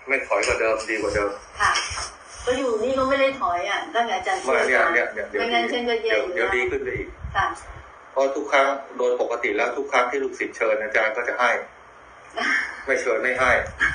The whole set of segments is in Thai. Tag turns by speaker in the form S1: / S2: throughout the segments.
S1: ไม่ถอยกว่าเดิมดีกว่าเดิม
S2: ค่ะก็อยู่นี่ก็ไม่ได้ถอยอ่ะตั้งแต่อาจารย์ช่วยมาไม่งั้นฉันก็แย่อยู่
S1: เดี๋ยวดีขึ้นไปอีก
S2: ค่ะ
S1: เพราะทุกครั้งโดยปกติแล้วทุกครั้งที่ลูกศิษย์เชิญอาจารย์ก็จะให้ไม่เชิญไม่ให้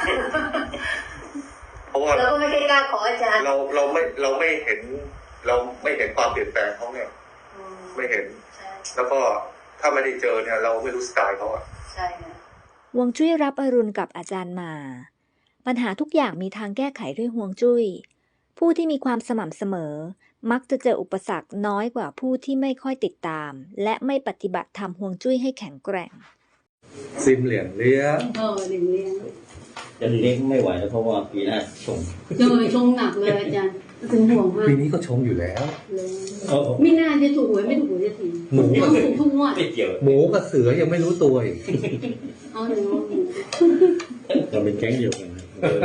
S1: เพราะว่า
S2: เราก็ไม่กล้าขออาจารย์
S1: เราไม่เห็นความเปลี่ยนแปลงเขาเนี่ยไม่เห็นแล้วก็ถ้าไม่ได้เจอเนี่ยเราไม่รู้สไตล์เขาอ่ะ
S2: ใช่ค่ะ
S3: ฮวงจุ้ยรับอรุณกับอาจารย์มาปัญหาทุกอย่างมีทางแก้ไขด้วยฮวงจุ้ยผู้ที่มีความสม่ำเสมอมักจะเจออุปสรรคน้อยกว่าผู้ที่ไม่ค่อยติดตามและไม่ปฏิบัติทำฮวงจุ้ยให้แข็งแกร่ง
S1: ซิมเหรียญเลี้ยง
S2: เหรียญเลี้ยง
S4: จะเลี้ยงไม่ไหวแล้วเพราะว่าปีหน้าชง
S2: ชงหนักเลยอาจารย์ถึงห่วงมาก
S1: ปีนี้ก็ชงอยู่แล้ว
S2: ไม่น่าจะถูกหวยไม่ถูกหวยจะที
S1: หมู
S2: ต้องถูกทุกงวด
S1: หมูกับเสือยังไม่รู้ตัวอีก
S2: เอาหนู
S4: เราเป็นแก๊งเดียวกันนะ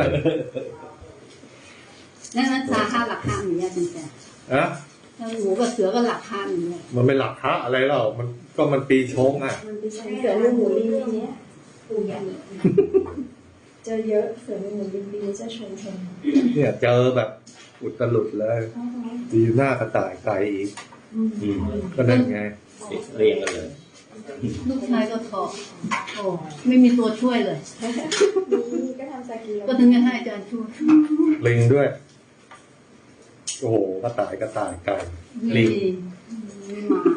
S2: นั่นราคาหลักห้าหนึ่งเนี่ยจริงๆ
S1: อะ
S2: หมูกับเสือก็หลักห้าหนึ่งเนี่ย
S1: มันเป็นหลักพระอะไรเล่ามันปีชงอ่ะ
S2: มันปีชงเสือลูกหมูนี่เนี่ยปูใหญ่
S5: เจอเยอะเสือหมูบินบีจะชง
S1: เนี่ยเจอแบบอุตลุดเลยดีหน้ากระต่ายไก่อีกก็นั่นไง
S4: เรียงกันเลย
S2: ลูกชายก็ท้องโอ้ไม่มีตัวช่วยเลย
S5: นี่ก็ทำซากี
S2: ก็ถึงจะให้อาจารย์ช่วย
S1: ลิงด้วยโอ้โหกระต่ายไก่ลิง
S2: หมา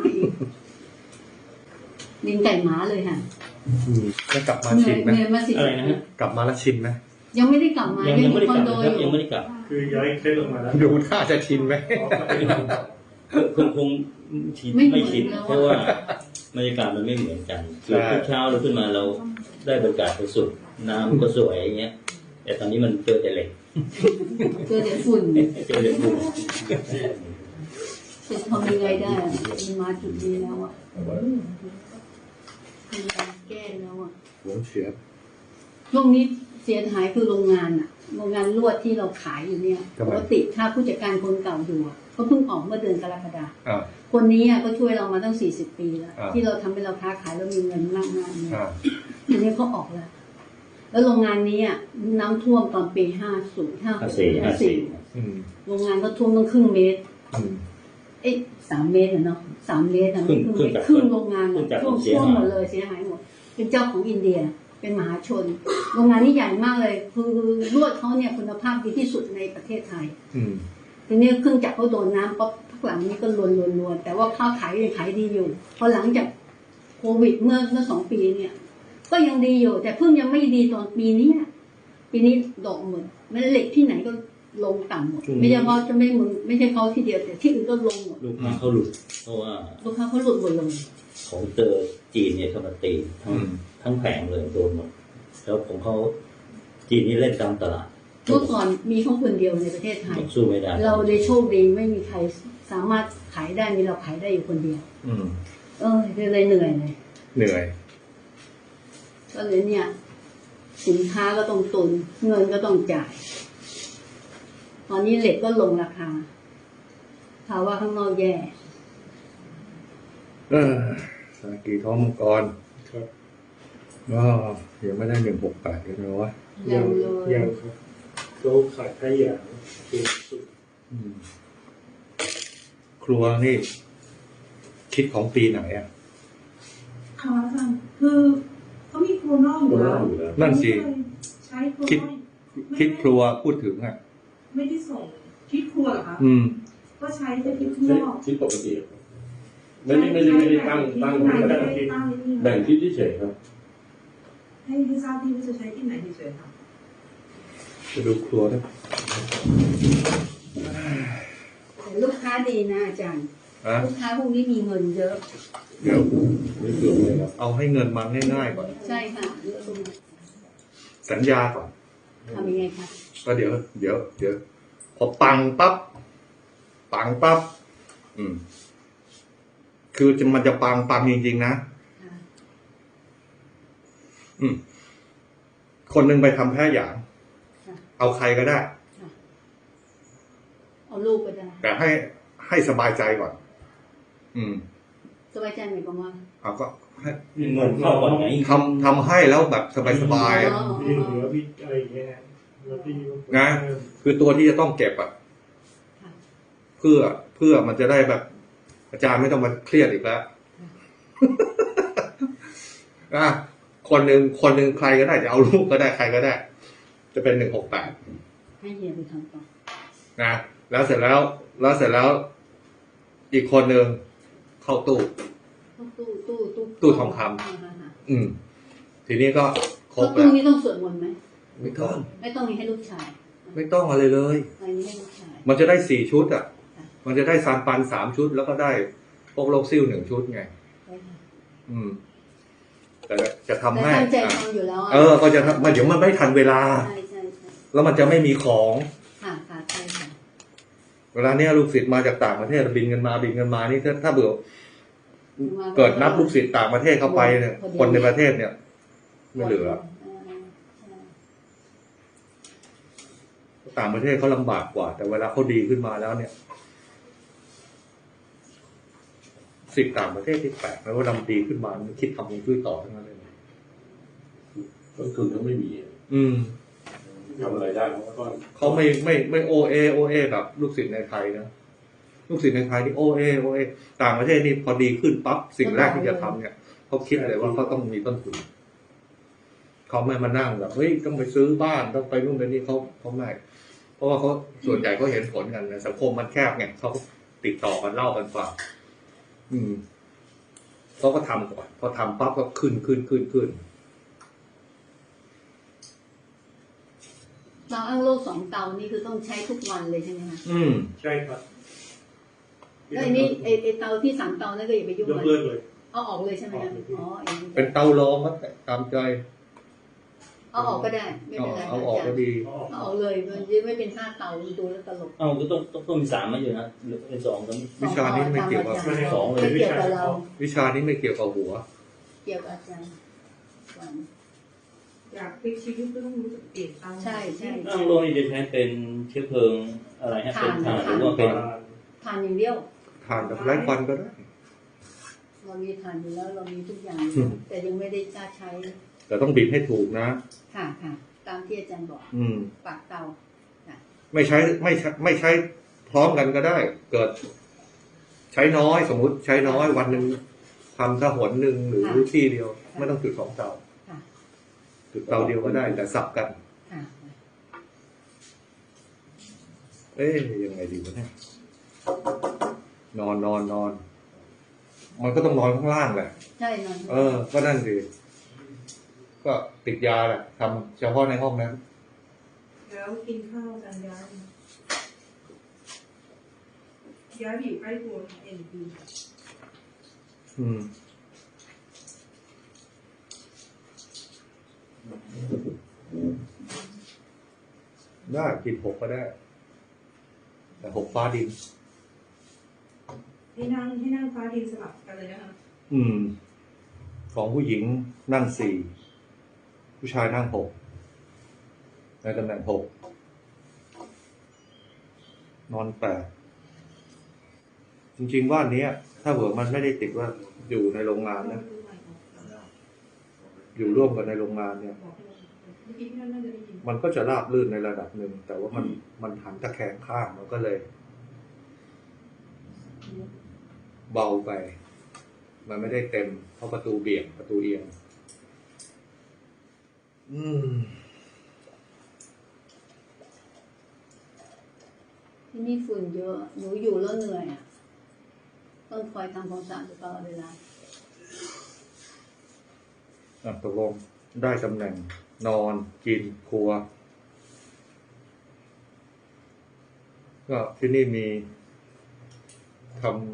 S2: ลิงไก่หมาเลยค่ะ
S1: จะกลับมาชิมไหม
S4: อะไรนะฮะ
S1: กลับมาแล้วชิมไหม
S2: ยังไม่ได้กลับมา
S4: ยังไม่ได้กลับครับยังไม่ได้กลับ
S1: คือย้ายเคล็ดลงมาแล้วดูท่าจะชินไหม
S4: คงไม่ชินเพราะว่าบรรยากาศมันไม่เหมือนกันคือทุกเช้าเราขึ้นมาเราได้บรรยากาศสุดน้ำก็สวยอย่างเงี้ยแต่ตอนนี้มันเจอแต่เหล็ก
S2: เจอแต่ฝุ่น
S4: เจอแต่ฝุ่น
S2: จะทำยังไงได้มันมาจุดนี้แล้วอ่ะมีการแก้แล้วอ่ะ
S1: หัวเสีย
S2: ช่วงนี้เสียหายคือโรงงานอ่ะโรงงานลวดที่เราขายอยู่เนี่ยปกติถ้าผู้จัดการคนเก่าอยู่ก็เพิ่งออกเมื่อเดือนกรกฎาคมคนนี้ก็ช่วยเรามาตั้ง40 ปีแล้วที่เราทำให้เราค้าขายแล้วมีเงินมากๆเนี่ยทีนี้เขาออกแล้วโรงงานนี้น้ำท่วมตอนปี50 54โรงงานก็ท่วมตั้งครึ่งเมตร3 เมตรเนาะ3 เมตรครึ่งโรงงานท่วมหมดเลยเสียหายหมดเป็นเจ้าของอินเดียเป็นมหาชนโรงงานนี้ใหญ่มากเลยคือลวดเขาเนี่ยคุณภาพดีที่สุดในประเทศไทยทีนี้เครื่องจักรเขาโดนน้ำปั๊บพักหลังนี้ก็ลวนแต่ว่าข้าวขายยังขายดีอยู่พอหลังจากโควิดเมื่อ2 ปีเนี่ยก็ยังดีอยู่แต่เพิ่งยังไม่ดีตอนปีนี้ดอกหมดมันเหล็กที่ไหนก็ลงต่ำหมดไม่ใช่เขาจะไม่ใช่เขาที่เดียวแต่ที่อื่นก็ลงหมด
S4: ลูกค้าเขาหลุดเพราะว่า
S2: ลูกค้าเขาหลุดหมดลง
S4: ของเจอจีนเนี่ยเขามาตีทั้งแผงเลยโดนหมดแล้วของเขาจีนนี่เล่นตามตลาด
S2: เมื่อก่อนมีเขาคนเดียวในประเทศไทย
S4: สู้ไม่ได้
S2: เราเลยโชคดีไม่มีใครสามารถขายได้มีเราขายได้อยู่คนเดียวเลยเหนื่อยก็เลยเนี่ยสินค้าก็ต้องตุนเงินก็ต้องจ่ายตอนนี้เหล็กก็ลงราคาภาวะข้างนอกแย่
S1: สากีท้องมังกรก็ยังไม่ได้168เลยนะวะ
S2: ยัง
S1: ครับก็ขายแค่อย่างคือสุดครัวนี่คิดของปีไหนอ่ะ
S5: ค่ะอาจารย์คือเขามีครัวนอกอยู่แล้ว
S1: นั่นสิ
S5: ใช้
S1: คิดครัวพูดถึงอ่ะ
S5: ไม่ได้ส่งคิดครัวเหรอคะก็ใช้แต่คิดนอก
S6: คิดปกติไม่ได้ตั้งแบ่งที่เฉยครับ
S5: ให้ทราบที่ว่าจะใช้ที่ไหนเฉยครับ
S1: จะดูครัวนะ
S2: ลูกค้าดีนะอาจารย์ลูกค้าพวกนี้มีเงินเยอะ
S1: เอาให้เงินมาง่ายๆก่อน
S2: ใช่ค่ะ
S1: สัญญาก่อน
S2: ทำยังไงคะ
S1: ก็เดี๋ยวพอปังปั๊บคือมันจะปังจริงๆนะคนหนึ่งไปทำแค่อย่างเอาใครก็ได้
S2: เอาลูกก็ได้
S1: แต่ให้สบายใจก่อน
S2: สบายใจหมายความว่า
S1: เอาก็ให้
S4: เงินเข้าก่อนไง
S1: ทำให้แล้วแบบสบาย
S6: มีเหลือพี่อะไรอย่างเงี้ย
S1: นะคือตัวที่จะต้องเก็บอ่ะ
S2: ค่ะ
S1: เพื่อมันจะได้แบบ อาจารย์ไม่ต้องมาเครียดอีกแล้ว อ่ะคนหนึ่งใครก็ได้จะเอาลูกก็ได้ใครก็ได้ จะเป็น168
S2: ให้เฮียไปทำต่อ
S1: นะแล้วเสร็จแล้ว อีกคนหนึ่งเข้าตู้ ตู้ทองคำ ทีนี้ก็คร
S2: เขา
S1: บ
S2: ตู้
S1: แล้ว
S2: นี้ต้องสวดมนต์ไหม
S1: ไม่ต้อง
S2: ไม่ต้องมีให้ลูกชาย
S1: ไม่ต้องอะไรเลย
S2: อันนี้ให้ลูกชาย
S1: มันจะได้4 ชุดอ่ะ
S2: ค่ะ
S1: มันจะได้ซานปัน3 ชุด แล้วก็ได้พวกโลกซิ่ว1 ชุดไง
S2: ใช่ค่ะ
S1: แต่จะทำ
S2: แต่
S1: ให้
S2: ตั้งใจทำอยู่แล้วะ
S1: ก็จะทำมันเดี๋ยวมันไม่ทันเวลา
S2: ใช่
S1: แล้วมันจะไม่มีของ
S2: ค่ะใช่ค่ะ
S1: เวลาเนี้ยลูกศิษย์มาจากต่างประเทศบินกันมานี่ถ้าเบื่อเกิดนับลูกศิษย์ต่างประเทศเข้าไปเนี่ย คนในประเทศเนี่ย ไม่เหลือ ต่างประเทศเขาลำบากกว่า แต่เวลาเขาดีขึ้นมาแล้วเนี่ยศิษย์ต่างประเทศที่แปลกแล้วว่าลำดีขึ้นมามันคิดทำฮวงจุ้ยต่อทั้งนั้นเลย
S6: ต้นทุนเขาไม่มีทำอะไรได้
S1: เขาไม่โอเอแบบลูกศิษย์ในไทยนะลูกศิษย์ในไทยนี่โอเอต่างประเทศนี่พอดีขึ้นปั๊บสิ่งแรกที่จะทำเนี่ยเขาคิดเลยว่าเขาต้องมีต้นทุนเขาไม่มานั่งแบบเฮ้ยต้องไปซื้อบ้านต้องไปนู่นไปนี่เขาไม่เพราะว่าเขาส่วนใหญ่เขาเห็นผลกันนะสังคมมันแคบไงเขาติดต่อกันเล่ากันฟังเขาก็ทำก่อนพอทำปั๊บก็ขึ้น
S2: เตาอ้างโลก2 เตานี่คือต้องใช้ทุกวันเลยใช่ไหมคะ
S7: ใช่ครับ
S2: แล้วอันนี้ไอเตาที่3 เตานั่นก็อย่าไปยุ่ง
S7: ยกเลิกเลย
S2: เอาออกเลยใช่ไหมคะอ๋อ
S1: เป็นเตาลองก็ตามใจ
S2: เอาออกก็ได้ไม่เป็นไร
S1: เอาออกก็ดี
S2: เอาออกเลยมันจะไม่เป็น5 เตาดูแล้วตลก
S4: ก็ต้องมี3มาอยู่นะหรือเป็น2ก็
S1: วิชานี้ไม่เกี่ยวกับ
S4: 2เลย
S2: ไม่เกี่ยวกับเรา
S1: วิชานี้ไม่เกี่ยวกับหัว
S2: เกี่ยวกับอาจารย์
S5: อยากพลิกชีวิตก็ต้องรู้จักเปลี่ยนตาม
S2: ใช่
S4: อ้างโลกนี่จะใช้เป็นเชื้อเพลิงอะไรฮะเป็นถ่านหรือว่าเป็น
S2: ทานอย่างเดียว
S1: ทานกับไร้ควันก็ได้
S2: เรามีทานอยู่แล้วเรามีทุกอย่างแต่ยังไม่ได้กล้าใช้
S1: แต่ต้องบิดให้ถูกนะ
S2: ค่ะตามที่อาจารย์บอกปากเตา
S1: ไม่ใช้พร้อมกันก็ได้ เกิด ใช้น้อยสมมุติใช้น้อยวันหนึ่งทำถ้าหนหนึ่งหรือที่เดียว ไม่ต้องจุด2 เตาจุดเตาเดียวก็ได้ แต่สับกัน ยังไงดีวะเนี่ยนอนมันก็ต้องนอนข้างล่างแหละ
S2: ใช่นอน
S1: ก็นั่นสิก็ติดยาแหละทำเฉพาะในห้องนั้น
S5: แล้วกินข้าวกันย้ายไปอยู่ใกล้ตัวเอ็นพี
S1: ได้กิน6ก็ได้ แต่6ฟ้าดิน
S5: ให้นั่งฟ้าดินสลับกันเลยนะคะ
S1: ของผู้หญิงนั่ง4ผู้ชายนั่ง6ในตำแหน่ง6นอน8จริงๆบ้านนี้ถ้าเผื่อมันไม่ได้ติดว่าอยู่ในโรงงานนะอยู่ร่วมกันในโรงงานเนี่ยมันก็จะราบรื่นในระดับหนึ่งแต่ว่ามันหันตะแคงข้างมันก็เลย เบาไปมันไม่ได้เต็มเพราะประตูเบี่ยงประตูเอียง
S2: ที่นี่ฝุ่นเยอะหนูอยู่แล้วเหนื่อยต้องคอยทำความสะอาดตลอดเวลา
S1: ตกลงได้ตำแหน่งนอนกินครัวก็ที่นี่มีทำ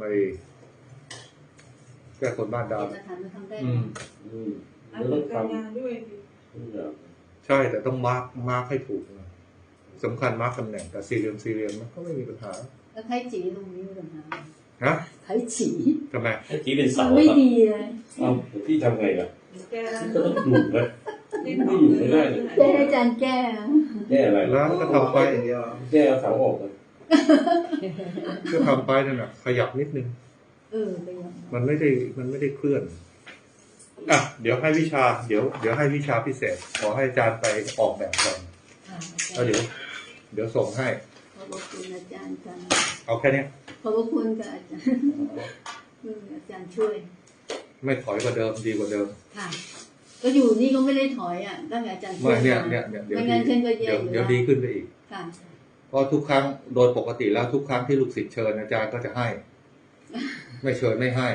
S1: แก้คนบ้านดาว
S2: สถานมาทำได้
S5: แล้วก็การงานด้วย
S1: ใช่แต่ต้องมาร์คให้ถูกนะสำคัญมาร์คตำแหน่งแต่สี่เหลี่ยมมันก็ไม่มีปัญหา
S2: แล้วไทจีตรงนี้มีปัญหา
S1: ฮะ
S2: ไทจี
S1: ทำไม
S4: ไอ้จีเป็นเสา
S2: ไม่
S4: ครับ
S2: ดีเลย
S6: พี่ทำไงล่ะ
S5: แก้
S6: ก็ต้องหลุดเลยไม่อยู่ไม่ได้เลย
S2: ได้อาจารย์แก้
S6: แก้อะไร
S1: แล้วก็ทำไป
S6: แก้เอาเสาออกเลย
S1: ก็ทำไปนั่นแหละขยับนิดนึง
S2: ไปยัง
S1: มันไม่ได้เคลื่อนเดี๋ยวให้วิชาเดี๋ยวให้วิชาพิเศษขอให้อาจารย์ไปออกแบบก่อน
S2: ค่ะค่ะ
S1: แล้วเดี๋ยวส่งให้
S2: ขอบคุณอาจารย์ค่ะ
S1: เอาแค่เนี้ย
S2: ขอบคุณค่ะอาจารย์อาจารย์ช่วย
S1: ไม่ถอยกว่าเดิมดีกว่าเดิม
S2: ค่ะ ก็อยู่นี่ก็ไม่ได้ถอยอ่ะตั้งแต่อาจารย์ช่
S1: ไม่
S2: วย
S1: เนี่ย
S2: มา
S1: เดี๋ยว
S2: ไม่งั้นฉันก็แย่อยู่
S1: เดี๋ยว
S2: แล้ว
S1: ดีขึ้นไปอีก
S2: ค่ะ
S1: เพราะทุกครั้งโดยปกติแล้วทุกครั้งที่ลูกศิษย์เชิญอาจารย์ก็จะให้ ไม่เชิญไม่ให้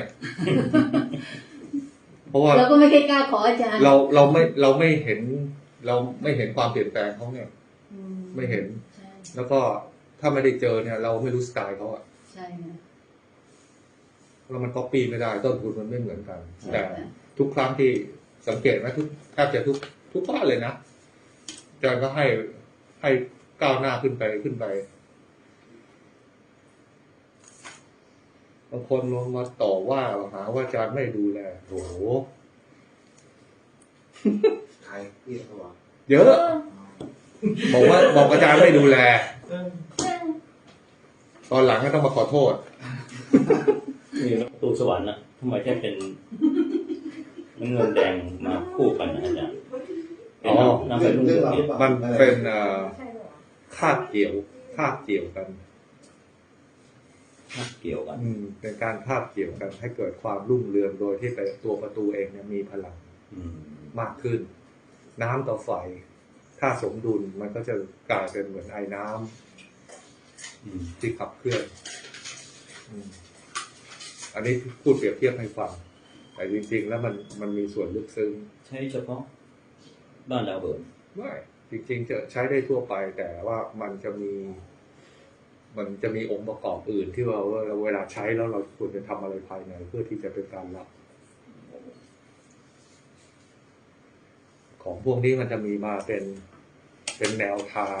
S1: เพราะว่า
S2: เราก็ไม่เคยกล้าขออาจารย์
S1: เราไม่เห็นความเปลี่ยนแปลงเขาเนี่ย
S2: อื
S1: ไม่เห็น
S2: ใช่
S1: แล้วก็ถ้าไม่ได้เจอเนี่ย เราไม่รู้สไตล์เขาอะ
S2: ใช่ค่ะ
S1: แล้วมันก๊อปปี้ไม่ได้ต้นทุนมันไม่เหมือนกัน
S2: ใช่
S1: แต่
S2: ค่ะ
S1: ทุกครั้งที่สังเกตไหมแทบจะทุกบ้านเลยนะอาจารย์ก็ให้ก้าวหน้าขึ้นไปบางคนลงมาต่อว่าหาว่าอาจารย์ไม่ดูแลโอ้โห
S7: ใครพี่เขาบอก
S1: เยอะบอกอาจารย์ไม่ดูแล ตอนหลังก็ต้องมาขอโทษ
S4: นี่ประตูสวรรค์นะทำไมแค่เป็นน้ำเงินแดงมาคู่กันนะอาจารย์
S1: อ๋อ
S4: น้ำเป็นรุ่งเรืองเนี่ย
S1: มันเป็นคาบเกี่ยวกัน
S4: เกี่ยวกัน
S1: เป็นการคาบเกี่ยวกันให้เกิดความรุ่งเรืองโดยที่ตัวประตูเองเนี่ยมีพลัง
S4: อืม
S1: มากขึ้น น้ำต่อไฟ ถ้าสมดุลมันก็จะกลายเป็นเหมือนไอ้น้ำ
S4: อืม
S1: ที่ขับเคลื่อนอันนี้พูดเปรียบเทียบให้ฟัง แต่จริงๆแล้วมันมีส่วนลึกซึ้ง
S4: ใช้เฉพาะบ้านดาวเบิร์น
S1: ไม่จริงๆจะใช้ได้ทั่วไป แต่ว่ามันจะมีองค์ประกอบอื่นที่ว่าเวลาใช้แล้วเราควรจะทำอะไรภายในเพื่อที่จะเป็นการรับ ของพวกนี้มันจะมีมาเป็นแนวทาง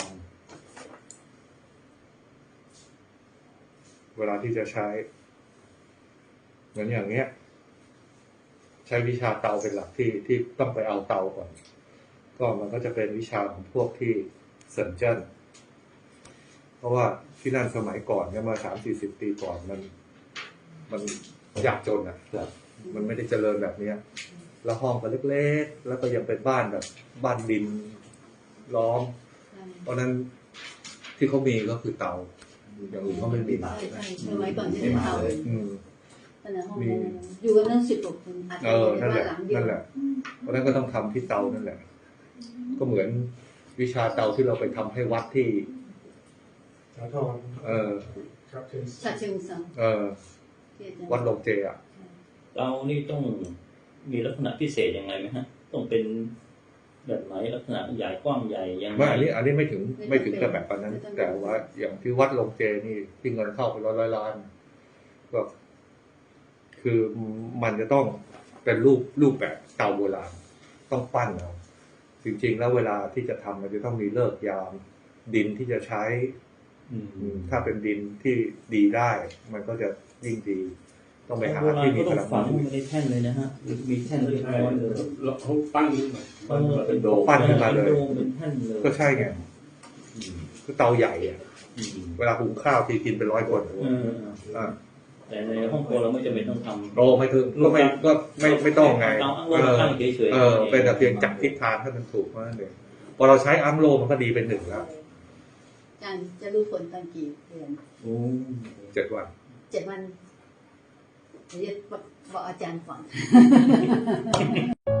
S1: เวลาที่จะใช้เหมือนอย่างเงี้ย ใช้วิชาเตาเป็นหลักที่ต้องไปเอาเตาก่อน ก็มันก็จะเป็นวิชาของพวกที่เซินเจิ้นเพราะว่าที่นั่นสมัยก่อนเนี่ยมา30-40 ปีก่อนมันยากจนอ่ะ มันไม่ได้เจริญแบบเนี้ย แล้วห้องก็เล็กๆแล้วก็ยังเป็นบ้านแบบบ้านดินล้อม เพราะนั้นที่เขามีก็คือเตาอย่างอื่นเขาไม่มี
S2: ใช่สมัยก่อนที่เป็นเตา
S1: อืม
S2: ขนาดห้องนั้นอยู่กันตั้ง10 กว่าคนอาจจะอยู่ใน
S1: นั่นแห
S2: บ้าน
S1: ละ
S2: หลังเดียว
S1: นั่นแหละ เพราะนั้นก็ต้องทำที่เตานั่นแหละ ก็เหมือนวิชาเตาที่เราไปทำให้วัดที่
S7: สาธร ครับเชิญ
S2: ฉะเชิงเทรา ที่อาจารย์
S1: วัดลงเจอ่ะ
S4: เตานี่ต้องมีลักษณะพิเศษยังไงไหมฮะ ต้องเป็นแบบไหนลักษณะใหญ่กว้างใหญ่ยังไง
S1: ไม่อันนี้ไม่ถึงกับแบบนั้น แต่ว่าอย่างที่วัดลงเจนี่ที่เงินเข้าไปร้อยล้านก็คือมันจะต้องเป็นรูปแบบเตาโบราณต้องปั้นเอาจริงๆแล้วเวลาที่จะทำมันจะต้องมีเลิกยาม ดินที่จะใช้ ถ้าเป็นดินที่ดีได้ มันก็จะยิ่งดี ต้องไปหาที่มี
S4: ก็
S1: พ
S4: ต้อง
S1: ลัง
S4: ฝังในแท่นเลยนะฮะมีแท่นเรียบร้อยเลย
S6: เขาปั้นขึ้นมาปั้นมาเป็นโดม
S1: ปั้นขึ้นมาเลย
S4: เป็นแท่นเลย
S1: ก็ใช่ไงคือเตาใหญ่อะเวลาหุงข้าวทีกินเป็น100 คน อ่า
S4: แต่ในห้องครัวเราไม่จำเป็นต้องทำ
S1: โตไม่ถึงก็ไม่ต้องไง
S4: เตาอั้งโล่ตั้งเฉยๆ
S1: เป็นแต่เพียงจับทิศทางให้มันถูกเท่านั้นเองพอเราใช้อัมโลมันก็ดีเป็น1แล้ว
S2: อาจารย์จะรู้ผลตอนกี่เดือน
S1: 7 วัน
S2: 7 วันเดี๋ยวจะบอกอาจารย์ก่อน